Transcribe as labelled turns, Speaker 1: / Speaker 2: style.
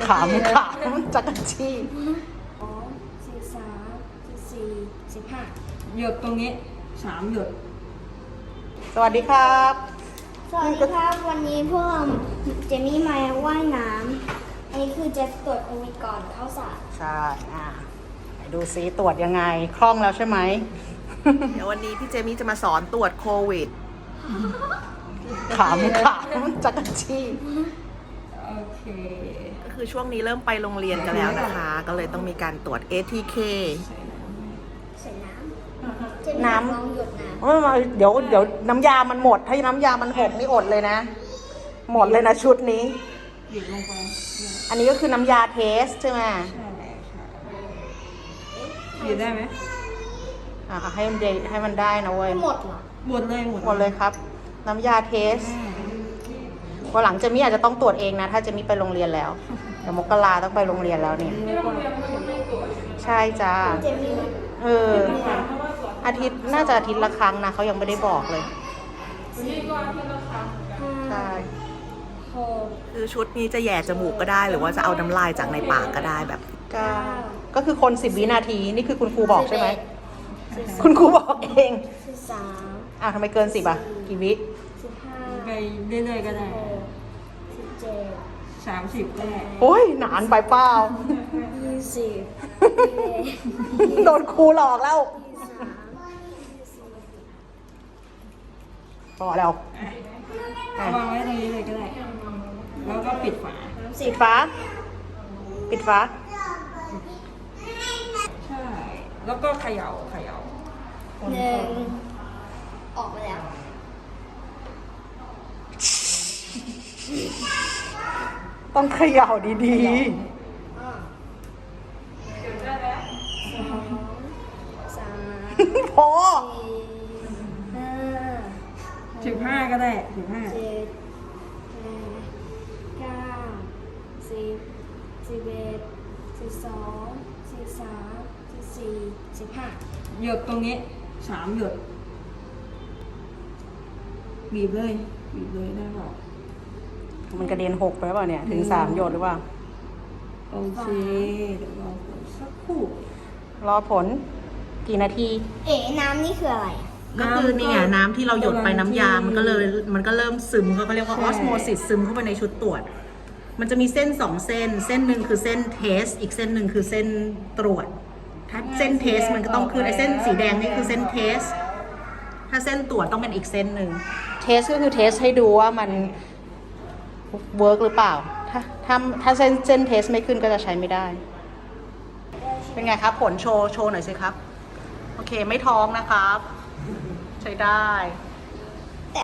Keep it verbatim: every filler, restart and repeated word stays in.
Speaker 1: ขำขำจักรจี้
Speaker 2: สองสี่สามสี่สี่สิบห้า
Speaker 3: หยดตรงนี้สามหยด
Speaker 1: สวัสดีครับ
Speaker 2: สวัสดีครับวันนี้พวกเราเจมี่มาว่ายน้ำอันนี้คือจะตรวจโควิดก่อนเข้าสระ
Speaker 1: ใช่อ่ะไหนดูซิตรวจยังไงคล่องแล้วใช่ไหม
Speaker 4: เดี๋ยววันนี้พี่เจมี่จะมาสอนตรวจโควิด
Speaker 1: ขำขำจักรจี้
Speaker 3: โอเค
Speaker 4: ก็คือช่วงนี้เริ่มไปโรงเรียนกันแล้วนะคะ ก็เลยต้องมีการตรวจ เอ ที เค
Speaker 2: ใส่น้ำเจมี่ลองหยดน้ำ
Speaker 1: เดี๋ยวเดี๋ยวน้ำยามันหมดถ้าน้ำยามันหกนี่อดเลยนะ หมดเลยนะชุดนี้
Speaker 3: หยดลงไป
Speaker 1: อันนี้ก็คือน้ำยาเทสใช่ไหม
Speaker 3: ใช่ค่ะหยดได้ไหม
Speaker 1: อ่ะให้มันได้ให้มันได้นะเว้ย
Speaker 2: หมดเหรอ
Speaker 3: หมดเลยหมด
Speaker 1: หมดเลยครับ น้ำยาเทสวันหลังเจมี่อาจจะต้องตรวจเองนะ ถ้าเจมี่ไปโรงเรียนแล้วเดี๋ยวมกราต้องไปโรงเรียนแล้วเนี่ยใช่จ้า
Speaker 2: เจมี่
Speaker 1: เอออาทิตย์น่าจะอาทิตย์ละครั้งนะเขายังไม่ได้บอกเลยใช่
Speaker 2: หก
Speaker 4: คือชุดนี้จะแย่จมูกก็ได้ หรือว่าจะเอาน้ำลายจากในปากก็ได้แบบ
Speaker 1: ก็ก็คือคนสิบวินาทีนี่คือคุณครูบอกใช่ไหมคุณครูบอกเอง
Speaker 2: สิบสาม
Speaker 1: อ่ะทำไมเกินสิบอ่ะกี่วิ
Speaker 2: สิบห้า
Speaker 3: ไปเรื่อยๆก็ได้
Speaker 2: หกสิบเจ็ด
Speaker 3: สามสิบก็ได้
Speaker 1: โอ้ยหนานไปเปล่า
Speaker 2: ยี่สิบ
Speaker 1: โดนครูหลอกแล้ว
Speaker 2: ยี่สิบสามยี่สิบสี่
Speaker 1: พอแล้ว
Speaker 3: เอาวางไว้ตรงนี้เลยก็ได้ แล้วก็ปิดฝา
Speaker 1: ปิดฟ้าปิดฟ้า
Speaker 3: ใช่ แล้วก็เขย่าเขย่า
Speaker 2: หนึ่งออกไปแล้ว
Speaker 1: ต้องเขย่าดี
Speaker 2: อ่าสองสาม
Speaker 1: ๆ พอ
Speaker 2: สี่ห้า
Speaker 3: สิบห้าก็ได้สิบห้า
Speaker 2: เจ็ดแปดเก้าสิบสิบเอ็ดสิบสองสิบสามสิบสี่สิบห้า
Speaker 3: หยดตรงนี้สามหยดบีบเลยบีบเลยได้เปล่า
Speaker 1: มันกระเด็นหกไปเปล่าเนี่ย ถึงสามหยดหรือเปล่า
Speaker 3: โอเคเดี๋ยวรอผลสักครู่
Speaker 1: รอผลกี่นาที
Speaker 2: เอ๋น้ำนี่คืออะไร
Speaker 1: ก็คือนี่ไงน้ำที่เราหยดไปน้ำยา มันก็เลยมันก็เริ่มซึมเขาเรียกว่าออสโมซิสซึมเข้าไปในชุดตรวจ มันจะมีเส้นสองเส้น เส้นหนึ่งคือเส้นเทส อีกเส้นหนึ่งคือเส้นตรวจ ถ้าเส้นเทสมันก็ต้องคือไอ้เส้นสีแดงนี่คือเส้นเทส ถ้าเส้นตรวจต้องเป็นอีกเส้นหนึ่ง เทสก็คือเทสให้ดูว่ามันเวิร์กหรือเปล่า ถ้าถ้าถ้าเส้นเส้นเทสไม่ขึ้นก็จะใช้ไม่ได้ เป็นไงครับ ผลโชว์โชว์หน่อยสิครับ โอเคไม่ท้องนะครับ ใช้ได้